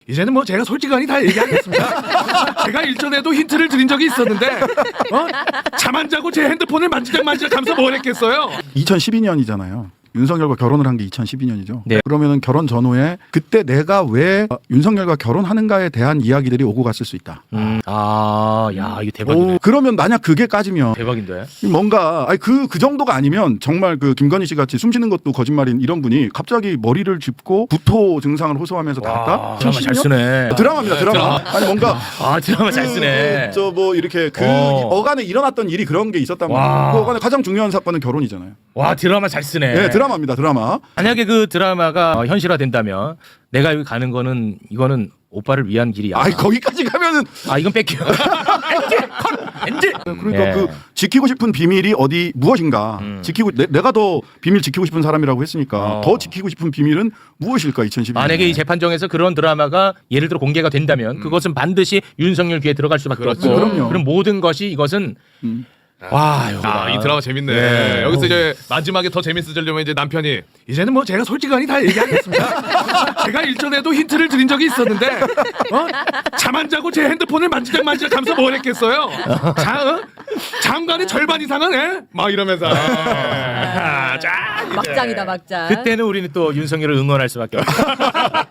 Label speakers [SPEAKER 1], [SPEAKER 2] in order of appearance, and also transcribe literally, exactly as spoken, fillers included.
[SPEAKER 1] 이제는 뭐 제가 솔직하니 다 얘기하겠습니다. 제가 일전에도 힌트를 드린 적이 있었는데 어? 잠 안 자고 제 핸드폰을 만지작 만지작 하면서 뭘 했겠어요.
[SPEAKER 2] 이천십이 년이잖아요. 윤석열과 결혼을 한 게 이천십이 년이죠.
[SPEAKER 3] 네.
[SPEAKER 2] 그러면은 결혼 전후에 그때 내가 왜 윤석열과 결혼하는가에 대한 이야기들이 오고 갔을 수 있다.
[SPEAKER 3] 음. 아, 야, 이거 대박이네.
[SPEAKER 2] 오, 그러면 만약 그게 까지면
[SPEAKER 3] 대박인데.
[SPEAKER 2] 뭔가 아니 그 그 정도가 아니면 정말 그 김건희 씨 같이 숨쉬는 것도 거짓말인 이런 분이 갑자기 머리를 짚고 구토 증상을 호소하면서 나왔다.
[SPEAKER 3] 와, 드라마 잘 쓰네.
[SPEAKER 2] 드라마입니다. 드라마. 아니 뭔가
[SPEAKER 3] 아, 드라마 잘 쓰네.
[SPEAKER 2] 저 뭐 이렇게 그
[SPEAKER 3] 어.
[SPEAKER 2] 어간에 일어났던 일이 그런 게 있었단
[SPEAKER 3] 와.
[SPEAKER 2] 말이에요. 그 어간에 가장 중요한 사건은 결혼이잖아요.
[SPEAKER 3] 와, 드라마 잘 쓰네.
[SPEAKER 2] 네, 드라마입니다. 드라마.
[SPEAKER 3] 만약에 그 드라마가 어, 현실화된다면 내가 여기 가는 거는 이거는 오빠를 위한 길이야.
[SPEAKER 2] 아이 거기까지 가면은
[SPEAKER 3] 아, 이건 뺄게요. 엔지! 컷! 엔지!
[SPEAKER 2] 그러니까
[SPEAKER 3] 예.
[SPEAKER 2] 그 지키고 싶은 비밀이 어디 무엇인가
[SPEAKER 3] 음.
[SPEAKER 2] 지키고 내, 내가 더 비밀 지키고 싶은 사람이라고 했으니까
[SPEAKER 3] 어.
[SPEAKER 2] 더 지키고 싶은 비밀은 무엇일까 이천십이 년
[SPEAKER 3] 만약에 이 재판정에서 그런 드라마가 예를 들어 공개가 된다면 그것은 반드시 윤석열 귀에 들어갈 수밖에
[SPEAKER 1] 그렇죠.
[SPEAKER 3] 없고
[SPEAKER 2] 그럼요.
[SPEAKER 3] 그럼 모든 것이 이것은
[SPEAKER 2] 음.
[SPEAKER 3] 와, 여기다.
[SPEAKER 1] 아, 이 드라마 재밌네.
[SPEAKER 3] 네.
[SPEAKER 1] 여기서 이제 마지막에 더 재밌어지려면 이제 남편이 이제는 뭐 제가 솔직하니 다 얘기하겠습니다. 제가 일전에도 힌트를 드린 적이 있었는데 어? 잠 안 자고 제 핸드폰을 만지작 만지작 하면서 뭘 했겠어요. 자, 어? 장관의 절반 이상은 예? 막 이러면서 아, 자, 이제.
[SPEAKER 4] 막장이다 막장.
[SPEAKER 3] 그때는 우리는 또 윤석열을 응원할 수밖에 없어.